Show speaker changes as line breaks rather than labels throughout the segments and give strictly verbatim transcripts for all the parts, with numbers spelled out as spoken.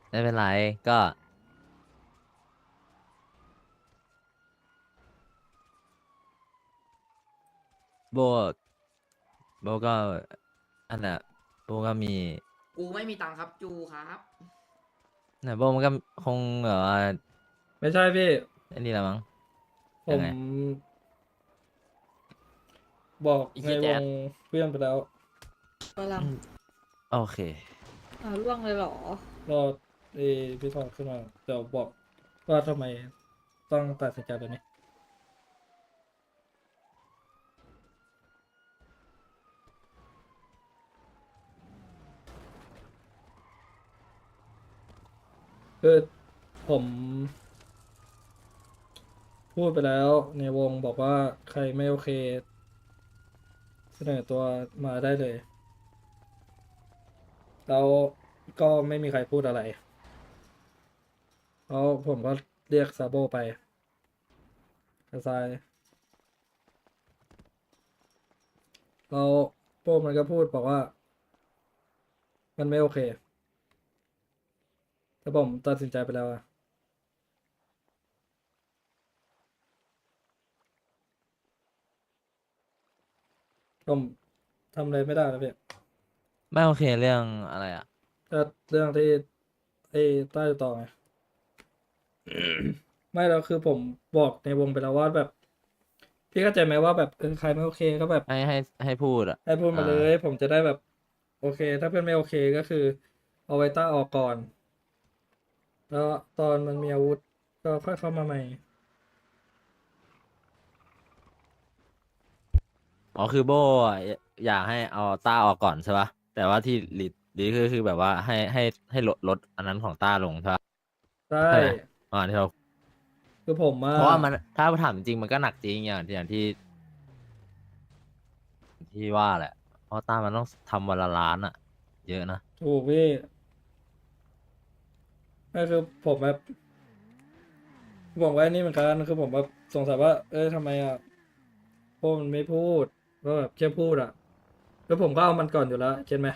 ไม่เป็นไรก็โบโบก็อันน่ะโบก็มี
กูไม่มีตังค์ครับจูครับ
น่ะโบมันก็คงแบบว่า
ไม่ใช่พี่
ไอันนี้ละมั้ง
ผม
ยังไง
บอก
อี
ในวง
เคียแจ๊ด
เพื่อนไปแล้ว
กำลัง
อืมโอเค
อ่าล่วงเลยเหรอ
รอเอพี่ทองขึ้นมาเดี๋ยวบอกว่าทำไมต้องตัดสินใจแบบนี้คือผมพูดไปแล้วในวงบอกว่าใครไม่โอเคเสนอตัวมาได้เลยแล้วก็ไม่มีใครพูดอะไรแล้วผมก็เรียกซาโบไปกระซายแล้วโป้มันก็พูดบอกว่ามันไม่โอเคแต่ผมตัดสินใจไปแล้วอะ ผมทำอะไรไม่ได้แล้วพี่
ไม่โอเคเรื่องอะไรอ่ะ
ก็เรื่องที่ไอ้ใต้ต่อไง ไม่แล้วคือผมบอกในวงไปแล้วว่าแบบพี่เข้าใจไหมว่าแบบเออใครไม่โอเคก็แบบ
ให้ให้ให้พูดอ่ะ
ให้พูด
อ่า
มาเลยผมจะได้แบบโอเคถ้าเพื่อนไม่โอเคก็คือเอาไว้ต้าออกก่อนแล้วตอนมันมีอาวุธก็ค่อยเข้ามาใหม่
อ๋อคือโบอะอยากให้เอาต้าออกก่อนใช่ปะแต่ว่าที่ลิดลิดคือคือแบบว่าให้ให้ให้ลดลดอันนั้นของต้าลงใช่ปะ
ใช่
ใช่ไหมอ่าที่เรา
คือผมว่า
เพราะว่ามันถ้าถามจริงมันก็หนักจริงอย่างที่อย่างที่ที่ว่าแหละเพราะต้ามันต้องทำวันละล้านอ่ะเยอะนะ
ถูกพี่ก็คือผมแบบผมว่านี่เหมือนกันคือผมแบบสงสัยว่าเอ้ยทำไมอ่ะพวกมันไม่พูดก็แบบแค่พูดอ่ะแล้วผมก็เอามันก่อนอยู่แล้วเก็ตไหม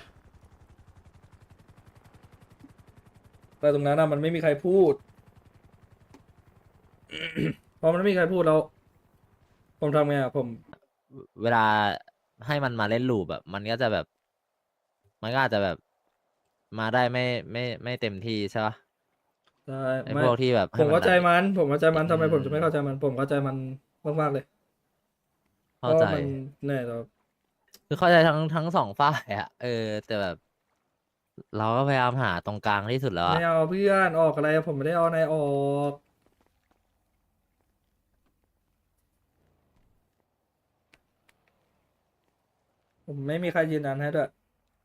แต่ตรงนั้นอะมันไม่มีใครพูดพอมันไม่มีใครพูดแล้วผมทำไงอะผม
เวลาให้มันมาเล่นลูปแบบมันก็จะแบบมันก็อาจจะแบบมาได้ไม่ไม่ไม่เต็มที่ใช่ปะ
ได้
ไอ้
ไม่
พวกที่แบบ
ผมเข้าใจ
ให้มันหนัก
มันผมเข้าใจมัน
อื
ทำไมผมจะไม่เข้าใจ
ม
มันผมเข้าใจมันมากๆเลยเพ
เข้าใจ
ราะว่ามันแน่เรา
คือเข้าใจทั้งทั้งสองฝ่ายอะเออแต่แบบเราก็พยายามหาตรงกลางที่สุดแล้ว
ไม่
อะ
เอาเพื่อนออกอะไรผมไม่ได้เอานายออกผมไม่มีใครยืนยันให้ด้วย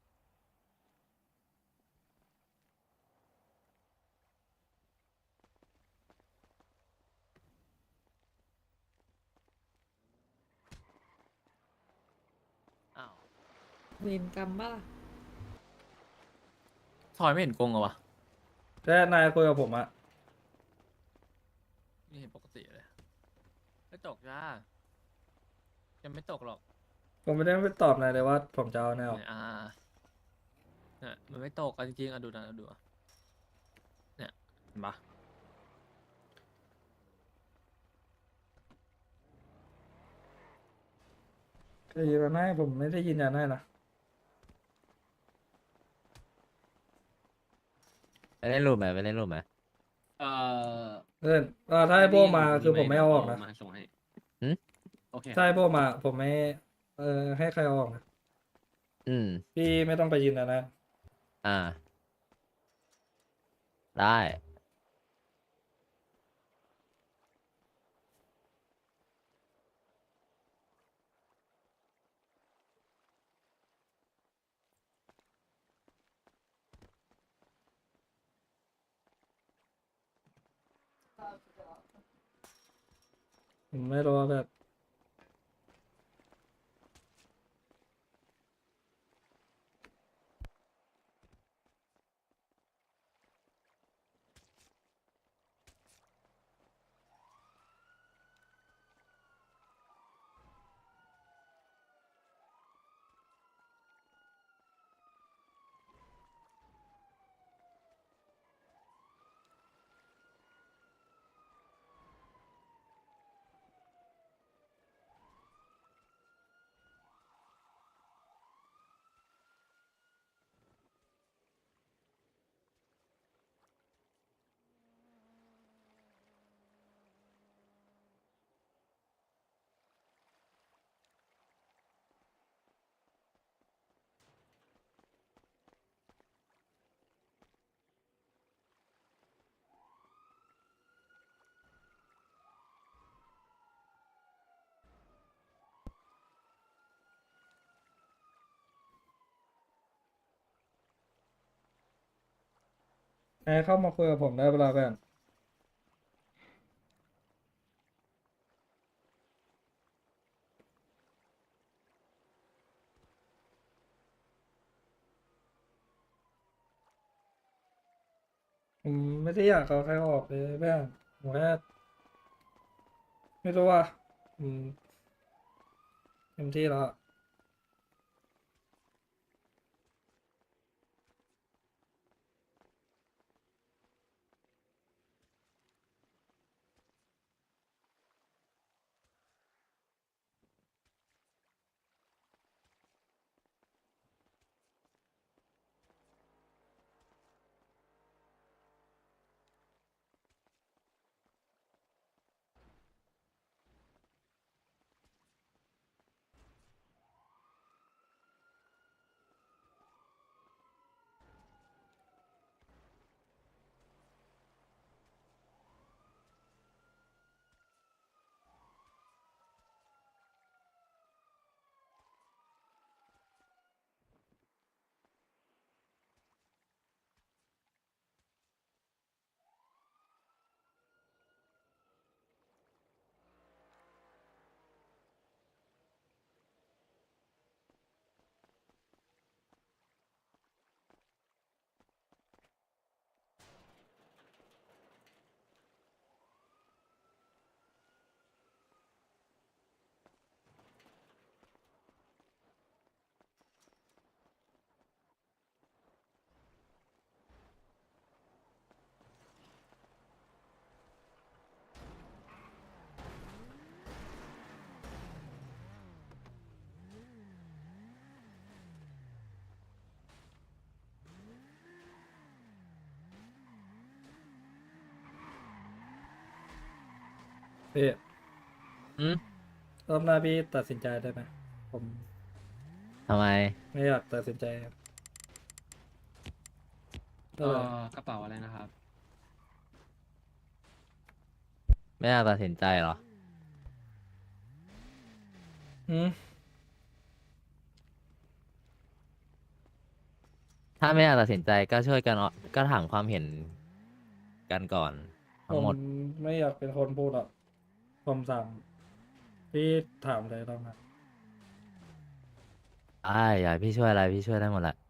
อ้าว
เวรกรรมบ้าล่ะ
ทอยไม่เห็นกงเหรอวะ
แค่นายคุยกับผมอะ
ไม่เห็นปกติเลยไม่ตกจ้ายังไม่ตกหรอก
ผมไม่ได้ไปตอบนายเลยว่าผมจะเอานายออก
เนี่ยอ่าเนี่ยมันไม่ตกกันจริงๆอ่ะดูนะดูอ่ะเนี่ยเห็นปะ
จะยืนยันให้ผมไม่ได้ยืนยันให้นะ
ไปเล่นรูปไหมไปเล่นรูปไหม
เอ่อ
เพื่อนว่าถ้าให้โบมาคือผมไม่เอาออกนะ
มาส่งให้
อืม
โอเคครับ
ถ้าให้โบมาผมไม่เออให้ใครเอาออกนะ
อืม
พี่ไม่ต้องไปยืนยันนะ
อ่าได้
ผมไม่รู้ว่าแบบให้เข้ามาคุยกับผมได้เวลาเพื่อนผมไม่ได้อยากเอาใครออกเลยเพื่อนผมแค่ไม่รู้ว่าอืมเต็มที่แล้วอะ พี่
อืม
รอบหน้าพี่ตัดสินใจได้ไหมผม
ทำไม
ไม่อยากตัดสินใจครับ
เอ
ก็เลย
อกระเป๋าอะไรนะครับ
ไม่อยากตัดสินใจเหรอ
อืม
ถ้าไม่อยากตัดสินใจก็ช่วยกันเอาก็ถามความเห็นกันก่อน
ผ
ทั้ง
ม
หมด
ไม่อยากเป็นคนพูดหรอกผมสั่งพี่ถามเลยรอบหน้า
ได้อยากให้พี่ช่วยอะไรพี่ช่วยได้หมดแหละ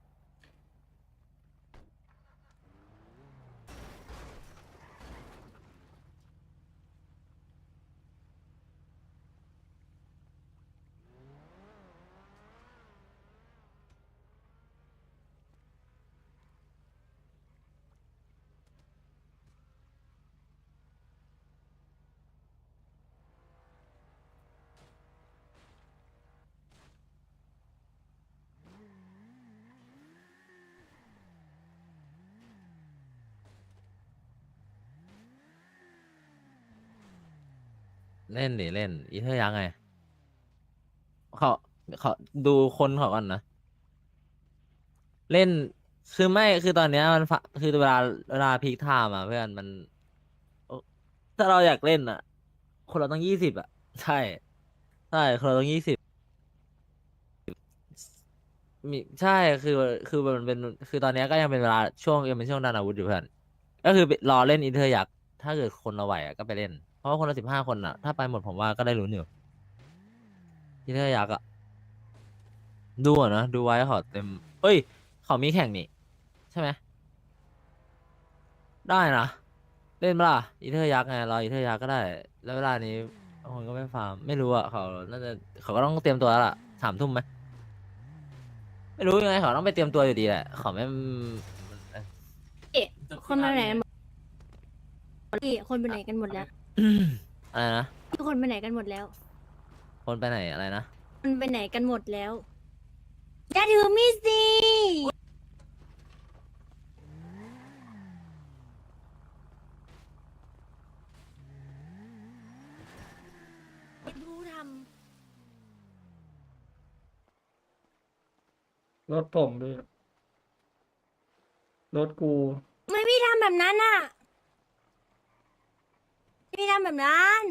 เล่นดิเล่นอีเทอร์ยักษ์ไงเขาเขาดูคนเขาก่อนนะ เล่นคือไม่คือตอนเนี้ยมันฟะคือเวลาเวลาพีคไทม์อ่ะเพื่อนมันโอ้ถ้าเราอยากเล่นอ่ะ คนเราต้องยี่สิบอ่ะใช่ใช่คนเราต้องยี่สิบมีใช่คือคือมันเป็นคือตอนเนี้ยก็ยังเป็นเวลาช่วงยังเป็นช่วงดันอาวุธอยู่เพื่อนก็คือรอเล่นอินเทอร์ยักษ์ถ้าเกิดคนเราไหวอ่ะก็ไปเล่นเพราะว่าคนละสิบห้าคนอ่ะถ้าไปหมดผมว่าก็ได้ลุ้นอยู่อินเทอร์ยักษ์อ่ะดูอ่ะนะดูไว้ขอเต็มเอ้ยเขามีแข่งนี่ใช่ไหมได้นะ เล่นเปะล่าอีเทอร์ยักษ์ไงรออีเทอร์ยักษ์ก็ได้แล้วเวลานี้บางคนก็ไม่ฟาร์มไม่รู้อ่ะเขาน่าจะเขาก็ต้องเตรียมตัวแล้วล่ะสามทุ่มไหมไม่รู้ยังไงเขาต้องไปเตรียมตัวอยู่ดีแหละเขาไม่
คนไปไหนกันหมดพี่คนไปไหนกันหมดแล้ว
อะไรนะ
ทุกคนไปไหนกันหมดแล้ว
คนไปไหนอะไรนะ
คนไปไหนกันหมดแล้วอย่าถือมีดสิเป็นผู้ท
รถผมด้วยรถกู
ำไม่พี่ทำแบบนั้นอ่ะพี่ทำแบบนั้น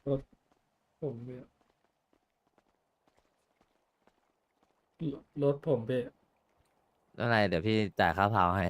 รถผมพี่รถผมพี่
อะไรเดี๋ยวพี่จ่ายค่าพาวให้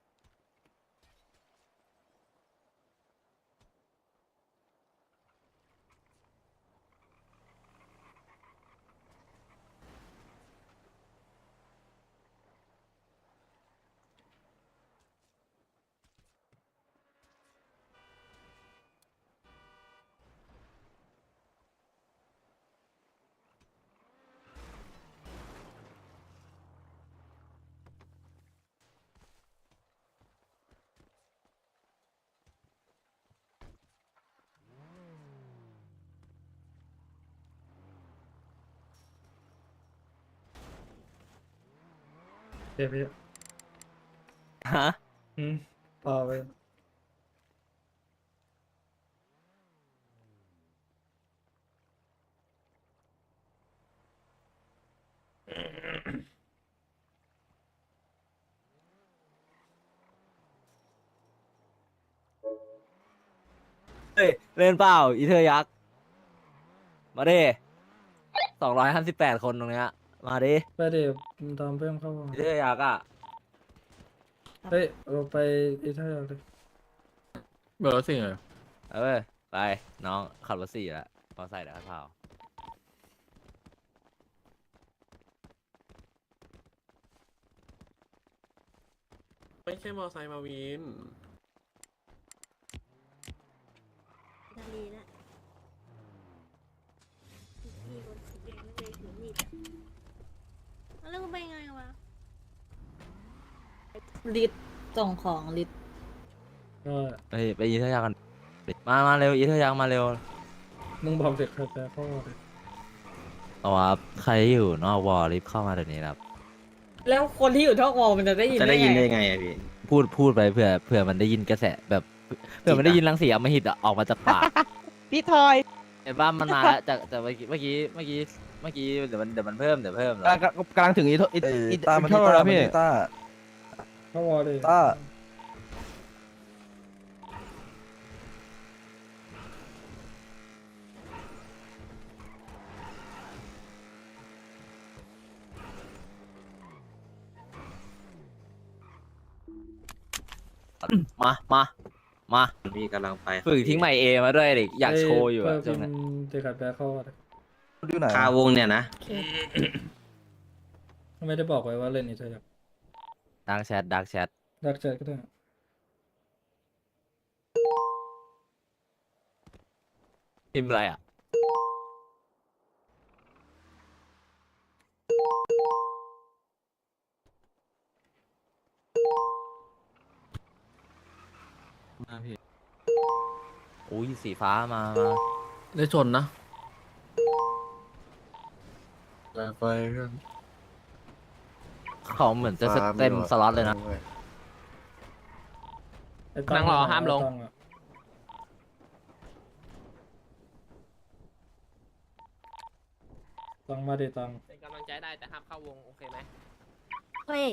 เดี๋ยวพี่
ฮะ
อืมพอไป
เฮ้ยเล่นเปล่าอีเธอยักษ์มาดิสองร้อยห้าสิบแปดคนตรงเนี้ยมาดิ
ไปเดี๋ยวตามเพื่อนเข้ามา
อีเธอยักษ์อ่ะ
เฮ้ยเราไปอีเท่าไหร่เลย
เบอร์รถสิ่งเลย
เออไปน้องขับรถสี่แล้วมอไซค์เดี๋ยวค่าพาว
ไม่ใช่มอไซค์มาวิน
นาลีนะมีคนสีแดงไม่เลยถือมีดอะแล้วก็ไปไงวะ
ลิตรส่งของลิตร
ก็
เฮ้ยไปอีเธอยักษ์กันมามาเร็วอีเธอยักษ์มาเร็ว
มึงบอกเด็กใครแปลเข้ามาเลย
เอาว่าใครอยู่นอกวอลรีบเข้ามาเดี๋ยวนี้ครับ
แล้วคนที่อยู่ท่อกวอมันจะได้ยิน
จะได้ยินได้
ไง
ไงอะพี่
พูดพูดไปเผื่อเผื่อมันได้ยินกระแสแบบเผื่อมันได้ยินรังสีอำมหิตอะออกมาจากปาก
พี่ทอย
เห็นป่ะมันนานแล้วจากจากเมื่อกี้เมื่อกี้เมื่อกี้เมื่อกี้เดี๋ยวมันเดี๋ยวมันเพิ่มเดี๋ยวเพิ่ม
กำลังกำลังถึงอีทอี
เอ้ย
อี
ต้ามัน
เท่าไหร่แล้วพี่
ต้า
เข้าวอลเลย
ต้า
มามามา
พี่กำลังไป
ฝึกทิ้งใหม่เอมาด้วยเด็กอยากโชว์อยู่อะ
เพื่
ช่
อ
วง
พิ
นี้
มพ์เด็กใครแปลเข้ามาเลย
อยู่ไหนคาวงเนี่ยนะ
โอเค
ไม่ได้บอกไว้ว่าเล่นอีเท่าไหร่
ดักแชทดักแชท
ดักใจก็ได้
พิมพ์อะไรอ่ะมาพี่อุ้ยสีฟ้ามามา
ได้ชนนะ
ไปเพื่อน
เขาเหมือนจะเต็มสล็อตเลยนะ
ไอ้ตั
นั่งรอห้ามลง
ไอ้ตัอะตังมาดิตัง
เป็นกำลังใจได้แต่ห้ามเข้าวงโอเคไหม
เฮ้ย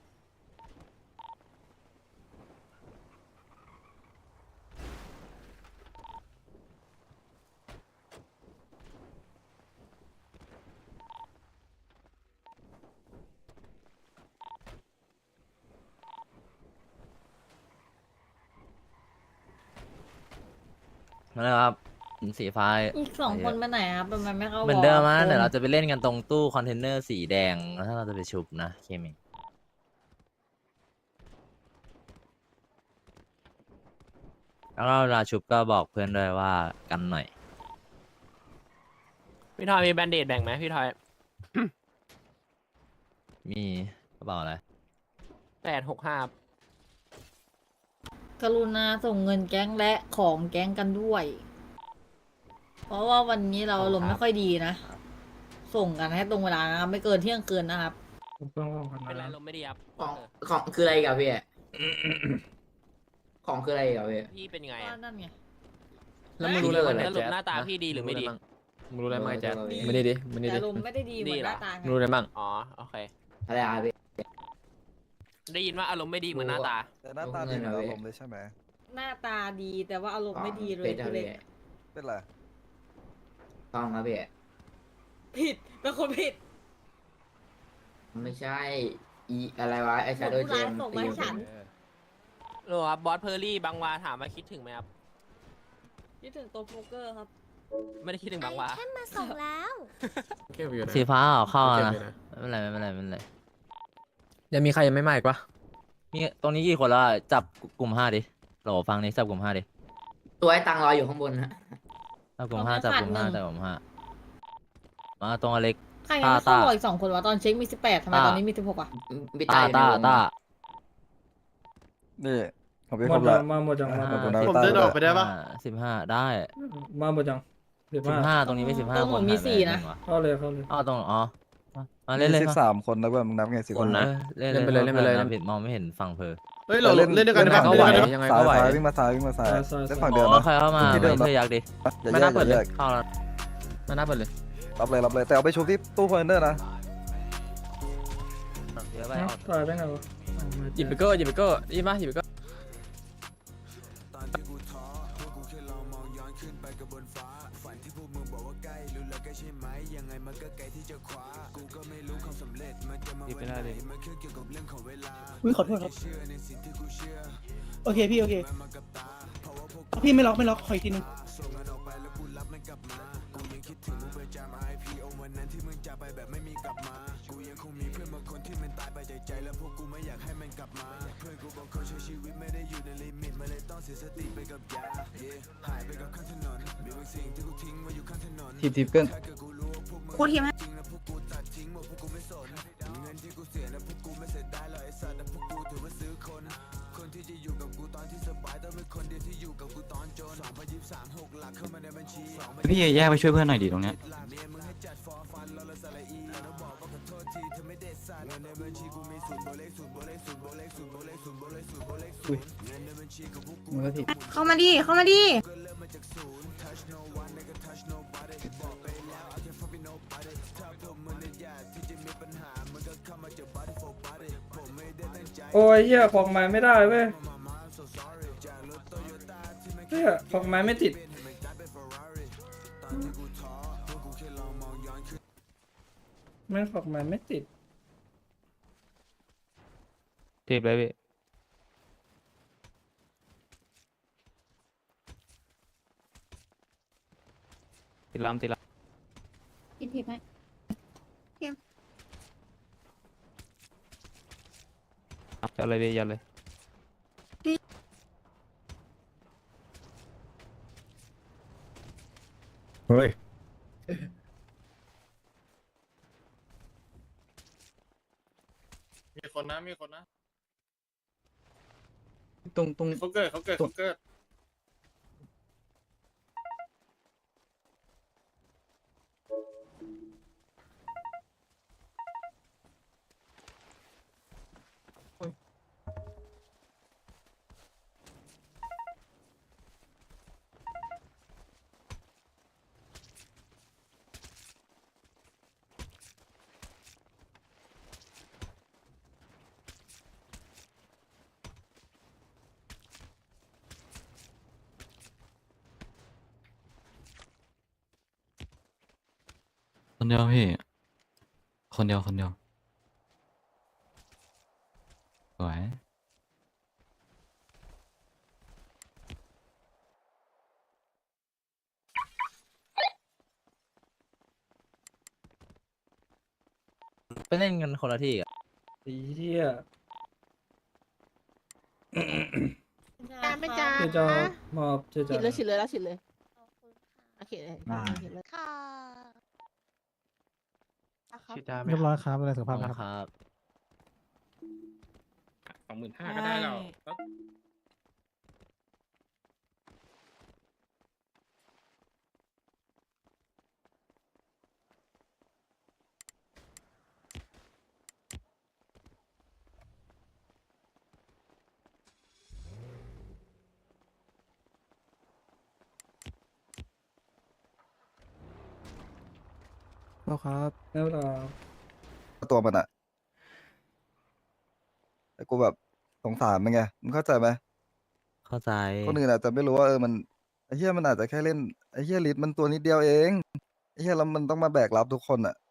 มาเลยครับสีฟ้า
อีกสองคนไปไหนครับทำไมไม่เข้าวอ
เหมือนเดิมนะ
คุณ
เดี๋ยวเราจะไปเล่นกันตรงตู้คอนเทนเนอร์สีแดงแล้วถ้าเราจะไปชุบนะเคมิงแล้วก็เวลาชุบก็บอกเพื่อนด้วยว่ากันหน่อย
พี่ทอยมีแบนเดดแบ่งไหมพี่ทอย
มีกระเป๋าอะไร
แปดหกห้าก
รุณาส่งเงินแก๊งและของแก๊งกันด้วย เพราะว่าวันนี้เราอารมณ์ไม่ค่อยดีนะ ส่งกันให้ตรงเวลานะครับ ไม่เกินเที่ยงคืนนะครับ
ผมเพิ่งว่างกัน
เป็นไร
นะ
ลมไม่ดีครับ
ของ
เออ
ของคืออะไรอีกับพี่ ของคืออะไรอีกับพี่
พี่เป็นไง
ก็
อะ
นั่นไง
แล้วมึงรู้เลยว่า
อะไร
สรุปหน้าตาพี่ดีหรือไม่ดี
มึงรู้อะไรบ้างแจ๊ค
ไม่ดีดิไม่ดี
แต่
ดิ
อารมณ์ไม่ได้ดีเหมือนหน้าตาไง
รู้อะไรบ้างอ๋อโอเค
อะไรอะพี่
ได้ยินว่าอารมณ์ไม่ดีเหมือนหน้าตา
แต่หน้าตาดีเหมือนอารมณ์เลยใช่ไหม
หน้าตาดีแต่ว่าอารมณ์ไม่ดีเลย
เป็นอะ
คือ
ไร
เลย
เป็นไร
ต้องครับพี่
ผิดเป็นคนผิด
ไม่ใช่อีอะไรวะไอชาโดว์เจม
ส่งมาให้ฉัน
หรอครับบอสเพอร์รี่บางวาถามว่าคิดถึงไหมครับ
คิดถึงตัวโป๊กเกอร์ครับ
ไม่ได้คิดถึงบางวา
แค่มาส่งแล้ว
เก็บอยู่นะ
สีฟ้าเอาเข้า
เก็บ
นะ
อยู่นะ
ไม่เป็นไรไม่เป็นไรไม่เป็นไร
ยังมีใครยังไม่มาอีกปะ
มีตรงนี้กี่คนแล้วอะจับกลุ่มห้าดิโหลฟังนี้จับกลุ่มห้าดิ
ตัวไอ้ตังรออยู่ข้างบนฮะ
จับกลุ่มห้า
เราไม่
จับ
ขาด
กลุ่มห้า
หนึ่ง
จับกลุ่มห้ามาตรงอเล็ก
ใครยังไม่
ตา
เข้า
ตา
บออีกสองคนวะตอนเช็คมีสิบแปดทำไม
ตา
ตอนนี้มีสิบหกอ่ะ
พี่
ตา
ตาอยู่ใน
ตาว
ง
ตา
นี่ผมเป็น
หม
ค
ด
น
แล้
ละ
วมาหมดจังมา
อ่า
หมด
ผม
จัง
เดินออกไปได้ปะ
สิบห้าได้
มาหมดจังสิบ
สิบ
ห้า
ห้าตรงนี้ไม่สิบห้า
ตรง
ค
หนู
น
มี
หายไป
สี่
ไห
นะ
ว
เข้าเลยเข้าเลย
อ๋อตรงอ๋อมาเล่นเลย
สิบสามคนนะเพื่อนมึงนับไงสิบคนนะ
เล่นเล่นไปเลยเล่นไปเลยผิดมองไม่เห็นฝั่งเพอ
เฮ้ยเราเล่นเล่นด้วยกัน
ได้ปะ
ก็ไหว
เล่นด้วยกัน
ยังไงก็ไหววิ่งมาซ้ายวิ่งมาซ้ายเล่นฝั่งเดิม
อ๋อ
นะ
ใครเข้ามา
ที่เดิม
เธออยากดิ
อย่าแยกอย่าแยก
เข้าแล้ว
มาหน้าเปิดเลย
รับเลยรับเลยแต่เอาไปชุบที่ตู้คอนเทนเนอร์นะ
เดี๋ยวไป
เอ้า
เอา
ตายได้ไงวะ
หยิบไปเกอร์หยิบไปเกอร์ยี่มาหยิบไปเกอร์
หยิบไปได้เลย
อุ้ยขอโทษครับ โอเคพี่โอเค พี่ไม่ล็อกไม่ล็อกขออีกทีนึง
ทีบทีบเกิน
โคตรเทียมให้
พี่แยกไปช่วยเพื่อนหน่อยดิตรงเนี้ย
มันก็ผิด
เข้ามาดิ เข้ามาดิ
โอ้ยเหี้ยของไม้ไม่ได้เว้ยเหี้ยของไม้ไม่ติดแม่งของไม้ไม่ติด
ทีบเลยพี่ ติดลำติดล
กินทิพย์ให้
ำยัดเลยพี่ยัดเลย
เฮ้ย
มีคนนะ มีคนนะ
ตรงตรง
เขาเกิดเขาเกิดเขาเกิด
คนเดียวพี่ คนเดียวคนเดียวสวย
ไปเล่นกันคนละที่อ่ะ
ไอ้เหี้ย
จานไม่จาน
เจ๊จอมอบเจ๊จอ
ฉีดเลยฉีดเลยแล้วฉีดเลยโอเคเลย
ได้
ฉีดเลยค่ะ
เรียบร้อยครับอะไรสุข
ขอ
ภา
บ
พ
คุณ
นะครับ
ครับ
สองหมื่นห้าก็ได้แล้วแล้ว
เราครับ
แล้วเรา
ตัวมันอะแต่กูแบบสงสารมันไงมึงเข้าใจไหม
เข้าใจ
คนอื่นอาจจะไม่รู้ว่าเออมันไอ้เหี้ยมันอาจจะแค่เล่นไอ้เหี้ยลิทมันตัวนิดเดียวเองเฮียแล้วมันต้องมาแบกรับทุกคนอ่ะ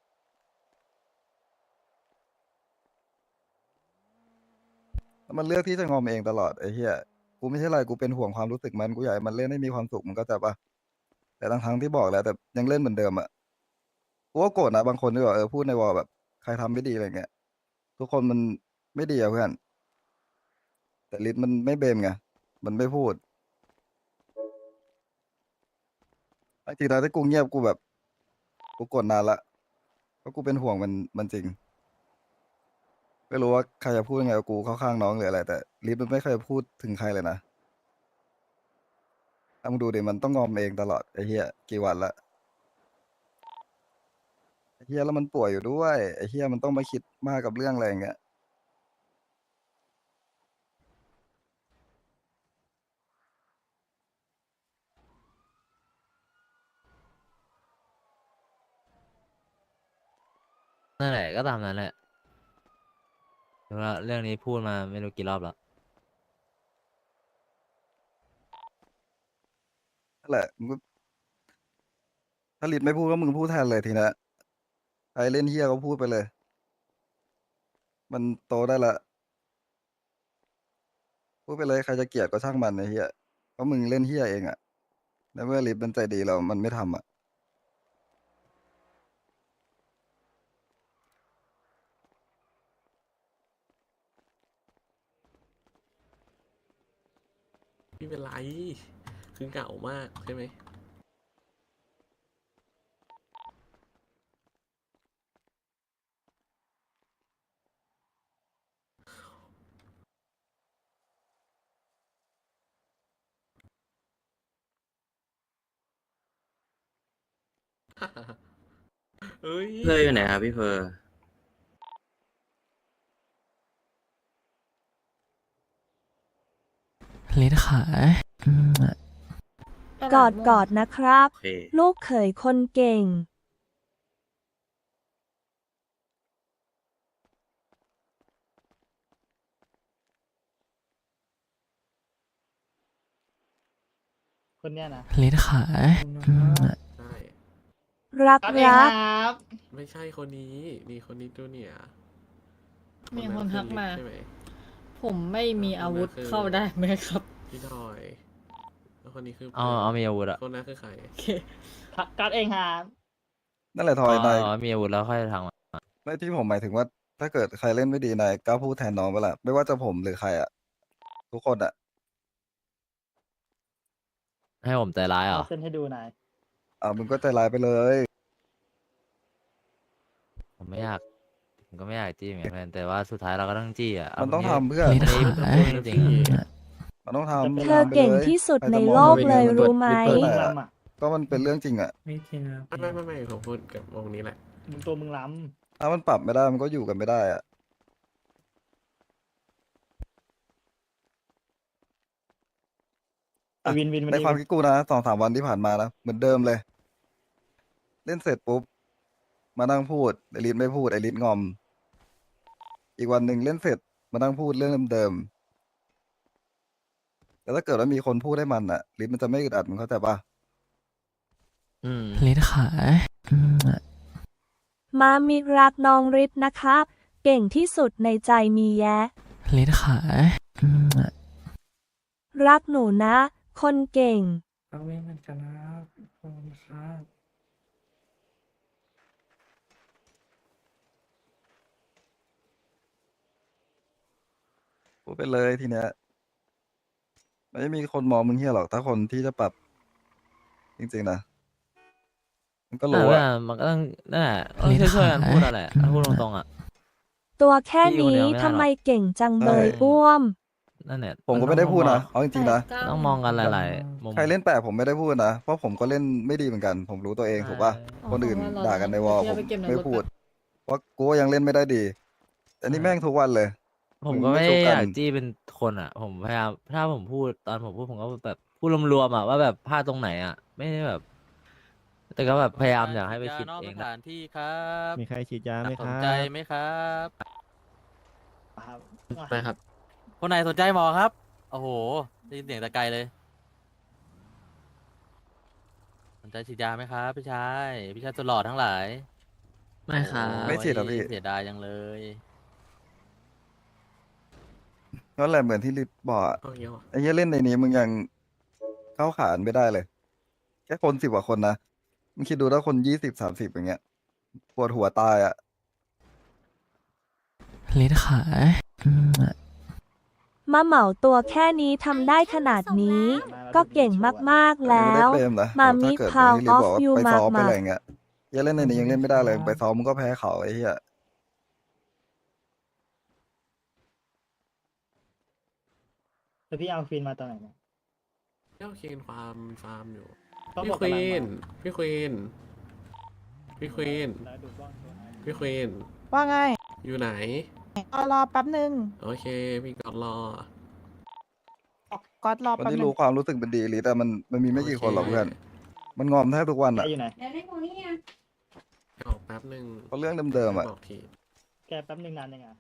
แล้วมันเลือกที่จะงอมเองตลอดไอ้เฮียกูไม่ใช่อะไรกูเป็นห่วงความรู้สึกมันกูอยากให้มันเล่นให้มีความสุขมันก็จะปะแต่ทั้งทั้งๆที่บอกแล้วแต่ยังเล่นเหมือนเดิมอ่ะกูก็โกรธนะบางคนที่บอกเออพูดในวอลแบบใครทำไม่ดีอะไรเงี้ยทุกคนมันไม่ดีอะเพื่อนแต่ลิศมันไม่เบมไงมันไม่พูดจริงๆแล้วที่กูเงียบกูแบบกูกดนานละเพราะกูเป็นห่วงมันมันจริงไม่รู้ว่าใครจะพูดยังไงกับกูเข้าข้างน้องหรืออะไรแต่ลิศมันไม่เคยพูดถึงใครเลยนะถ้ามึงดูดิมันต้องงอมเองตลอดไอ้เหี้ยกี่วันละไอ้เหี้ยแล้วมันป่วยอยู่ด้วยไอ้เหี้ยมันต้องมาคิดมากกับเรื่องอะไรอย่างเงี้ย
นั่นแหละก็ตามนั้นแหละเพราะว่าเรื่องนี้พูดมาไม่รู้กี่รอบแล้ว
นั่นแหละมึงก็ถ้าลิศไม่พูดก็มึงพูดแทนเลยทีนะใครเล่นเหี้ยก็พูดไปเลย มันโตได้ละพูดไปเลยใครจะเกลียดก็ช่างมันไอ้เหี้ยเพราะมึงเล่นเหี้ยเองอะแล้วเมื่อลิศมันใจดีเรามันไม่ทำอะ
ไม่เป็นไรคือเหงามากใช่ไหม เอ้ย
เพออยู่ไหนครับพี่เพอ
เลดขาย
กอดกอดนะครับ
โอเค
ลูกเขยคนเก่ง
คนเนี้ยนะ
เลดขาย ใช่
รักรัก
ไม่ใช่คนนี้นี่คนนี้ตัวเนี่ย
มีคนทักมา
ใช่ไหม
ผมไม่มีอาวุธ
คนนั้นคือ
เข้าได้ไหมครับ
พี่ทอยแล้วคนนี้คือ
เอาเอามีอาวุธอะ
คนนั้นคือใคร
การ์ดเองครับ
นั่นแหละท
อ๋
อยนาย
อมีอาวุธแล้วค่อยทางมา
ไม่ที่ผมหมายถึงว่า ถ้าเกิดใครเล่นไม่ดีนายกล้าพูดแทนน้องไปละไม่ว่าจะผมหรือใครอะทุกคนอะ
ให้ผมใจร้ายเหรอ
เส้นให้ดูนาย
อ่ามึงก็ใจร้ายไปเลย
ผมไม่อยากผมก็ไม่อยากจี้เหมือนกันแต่ว่าสุดท้ายเราก็ต้องจี้อ่ะ
มันต้อง
เา
ทำเพื่อ
อันนี้ผมพูดจริงๆอะ
มันต้องทำ
เธอเก่งที่สุดในโลกเลยรู้ไหม
เปิดไหนอะก็มันเป็นเรื่องจริงอะ
ไม่จริงครับ
ไม่ไม่ไม่ไม่ผมพูดกับวงนี้แหละ
มึงตัวมึงล้
ถ้ามันปรับไม่ได้มันก็อยู่กันไม่ได้อะ
ำวินวิน
ในความคิดกูนะสองสามวันที่ผ่านมานะเหมือนเดิมเลย เล่นเสร็จปุ๊บมานั่งพูดไอริสไม่พูดไอริสงอม อีกวันหนึ่งเล่นเสร็จมานั่งพูดเรื่องเดิมๆแต่ถ้าเกิดว่ามีคนพูดให้มันอะริสมันจะไม่อึดอัดมึงเข้าใจปะ
อืม
เลดขาย
มามีรักน้องริดนะครับ เก่งที่สุดในใจมีแยะ
เลดขาย
รักหนูนะ คนเก่ง
เอาไม่เหมือนกันนะครับขอบคุณครับ
พูดไปเลยทีเนี้ยไม่มีคนมองมึงเฮี้ยหรอกถ้าคนที่จะปรับ จริงๆนะมันก็
แต่
รู้
ว่า
อะ
มันก็ต้องนั่นแหละต้องช่วยๆกันพูดอะไรถ้าพูดตรงๆอ่ะ
ตัวแค่
พี่อยู่
นี้
เดียวไม่ได้หรอก
ทำไมเก่งจังเบย
ใช่
อ้วม
นั่นแหละ
ผมก็ไม่ได้พูดนะเอาจริงๆนะ
ต้องมองกันหลายๆมุม
ใครเล่นแปลกผมไม่ได้พูดนะเพราะผมก็เล่นไม่ดีเหมือนกัน ผมรู้ตัวเองถูกปะ
อ๋อ
คนอื่น
เพราะว่าเรา
ด่ากันในวอล
เดี๋
ผ
ยว
ม
ไปเก็บใน
ไม่
รถ
พูด
ก่อน
เพราะกูก็ยังเล่นไม่ได้ดี อันนี้แม่งทุกวันเลย
ผมก็
มึงไม่
ไม่
สู้
ได้
กั
อน ยากจี้เป็นคนอ่ะ ผมพยายามถ้าผมพูดตอนผมพูดผมก็แบบพูดรวมๆอ่ะว่าแบบพลาดตรงไหนอ่ะ ไม่ได้แบบ แต่ก็แบบพยายามอยากให้ไปคิดเองนะ
มีใครฉีดยาไหมครับ
ไหมครับ
ครับ
ไปครับ
คนไหนสนใจหมอครับ โอ้โหได้ยินเสียงตะไกลเลย
นนใจฉีดยาไหมครับพี่ชายพี่ชายตัวหล่อทั้งหลาย
ไม่ครับ
ไม่ฉีดหรอพี่
เสียดายจังเลย
นั่นแหละเหมือนที่ลิศบอกอะ
โอเคว่ะ
ไอ้เหี้ยเล่นในนี้มึงยังเข้าขานไม่ได้เลย แค่คนสิบกว่าคนนะมึงคิดดูถ้าคนยี่สิบสามสิบอย่างเงี้ยปวดหัวตายอ่ะ
ลิศขาย
มาเหมาตัวแค่นี้ทำได้ขนาดนี้ ก็เก่งมากๆแล้ว
อันนี้ไม่ได้เฟรมนะ
มา
ถ้
มิ
เกิด
พาว
เหมื
อ
อน
อฟ
ที่
ยู
ลิศบอกว่าไปซ้อมไป
มากมา
อะไรเงี้ยเหี้ยเล่นในนี้ยังเล่นไม่ได้เลยไปซ้อมมึงก็แพ้เขาไอ้เหี้ย
แล้วพี่เอาฟินมาตอนไหนนะ
เจ้าเคนฟาร์มฟาร์มอยู่
ต้อง
พี่
บอก
ควี
กำลัง
น
มา
พี่ควีน พี่ควีน
แล้วดูบ้างตัวไหน
พี่ควีน
ว่าไง
อยู่ไหน
เอารอแป๊บหนึ่ง
โอเค พี่กอดรอ
ก๊อตรอ
คน
แป๊บ
ที่
หนึ่
รู้
ง
ความรู้สึกเป็นดีลิศแต่มันมันมีไม่กี่คนหรอกเพื่อนมันงอมแทบทุกวัน
แก
อ่ะ
อยู่ไหน
ออกแป๊บหนึ่ง
เพราะเรื่องเดิมๆอ่ะ
บอกที
แกแป๊บหนึ่งนานยังไง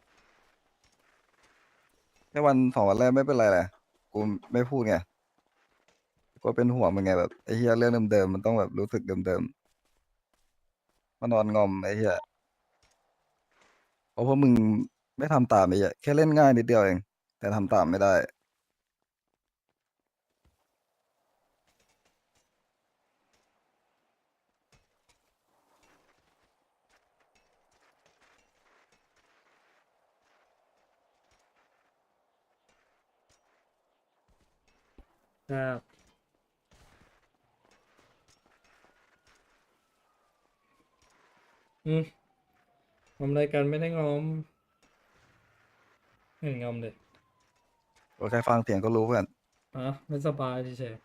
แค่วันสองวันแรกไม่เป็นไรแหละกูไม่พูดไงกูเป็นห่วงมึงไงแบบไอ้เหี้ยเรื่องเดิมๆมันต้องแบบรู้สึกเดิมๆมานอนงอมไอ้เหี้ยเพราะพวกมึงไม่ทำตามไอ้เหี้ยแค่เล่นง่ายนิดเดียวเอง แต่ทำตามไม่ได้
ครับ อืมงอมอะไรกันไม่ได้งอมไม่เห็นงอมเลย
ก็แค่ฟังเสียงก็รู้เพื่อน
อ่ะไม่สบายเฉย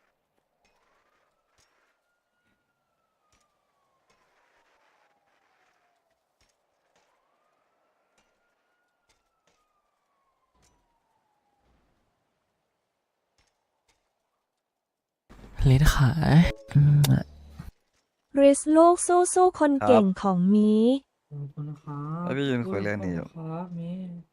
ลิศขาย
ริสลูกสู้สู้ๆคน
ครับ
เก่งของมี
ๆขอบคุณครับ
แล้วพี่ยืนคุยเรื่องนี้อยู่
ขบคุณครับมี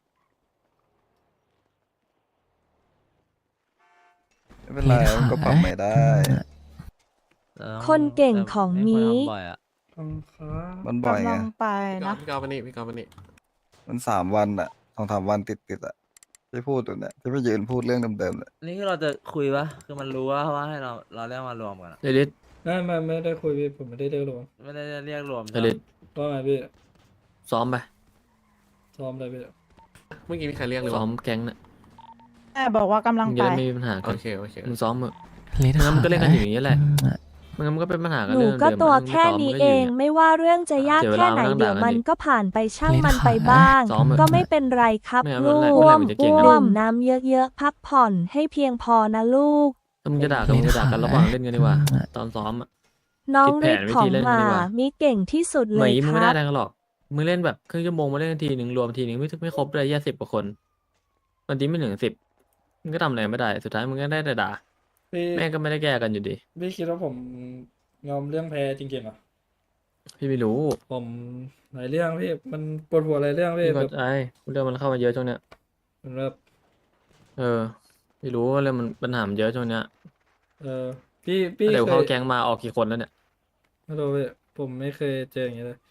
ไม่เป็นไรมันก็ปรับไม่ได้
คนเก่งของ
แต่
มี
ไควรทำบ่อยอะ
ขอบคุณครับ
มันบ่อย
กำ
ไง
ลังไป
พี่กอ
นะ
ดพี่กอดมานี่พี่กอดมานี่
มันสามวันอ่ะสองสามวันติดติดๆอ่ะที่พูดอยู่เนี่ยที่ไปยืนพูดเรื่องเดิมๆเลย
นี่คือเราจะคุยปะคือมันรู้ว่าว่าให้เราเราเรียกมารวมกันอะ
เดี๋ยวลิศ
ไม่ไม่ไม่ได้คุยพี่ผมไม่ได้เรียกรวม
ไม่ได้เรียกรวม
เดี๋ยวลิศ
ว่าไงพี่
ซ้อมไป
ซ้อมเลยพี่
เมื่อกี้มีใครเรียกเลยซ้อมแก๊งน่ะ
แม่บอกว่ากำลัง
มึง
ไป
จะได้ไม่มีปัญหากั
โอน เคโอเค
มึงซ้อมเถอะไม่งั้นมันก็เล่นกันอยู่อย่างนี้ยแหละไม่งั้นมันก็เป็นปัญหากัน
หนู
เรื่อง
ก็
เดิม
ตัว
มันไม่
แค่
ซ้อม
นี้
มันก็
เอ
อยู่
ง
ย่างเงี้ย
ไม่ว่าเรื่องจะยาก
เสียเว
แค่
ลา
ไหน
มานั่ง
เดี๋ยว
ด่ากัน
มัน
ดิ
ก็ผ่านไปช่าง
ไม่
มัน
ได้
ไปบ้าง
ซ้อมเถอะ
ก็ไม่เป็นไรครับ
ไม่เอา
ลู
เมื่อไหร่
ก
เมื่อไหร่มันจะเก่งกัน
ดื่มน้ำเยอะๆพักผ่อนให้เพียงพอนะลูก
ถ้ามึงจะด่ากันมึงจะด่ากันระหว่างเล่นกันดีกว่า ตอนซ้อมอะ
น้อง
คิดแผ
ริ
น
ด
วิ
ขอ
ธี
ง
เล่น
ห
กัน
มา
ดีกว่า
มีเก่งที่สุด
เห
เล
ม
ย
ย
ค
มึงไม่
รั
ได้
บ
อะไรกันหรอก มึงเล่นแบบครึ่งชั่วโมงมาเล่นนาทีหนึ่งรวมทีหนึ่งไม่ไม่ครบเลยแย่สิบกว่าคนวันที่ไม่ถึงสิบมึงก็ทำอะไรไม่ได้ สุดท้ายมึงก็ได้แต่ด่า
พี่
แม่งก็ไม่ได้แก้กันอยู่ดี
พี่คิดว่าผมงอมเรื่องแพ้จริงๆเหรอ
พี่ไม่รู้
ผมหลายเรื่องพี่มันปวดหัวหลายเรื่องพี่
พี่
แบ
เข้า
บ
ใจเรื่องมันเข้ามาเยอะช่วงเนี้ย
มันแบบ
เออพี่รู้ว่าเรื่องมันปัญหามันเยอะช่วงเนี้ย
เออพี่พี่
เดี๋ยว
เค
เข้าย แก๊งมาออกกี่คนแล้วเนี่ย
ไม่รู้พี่ผมไม่เคยเจออย่างนี้เลย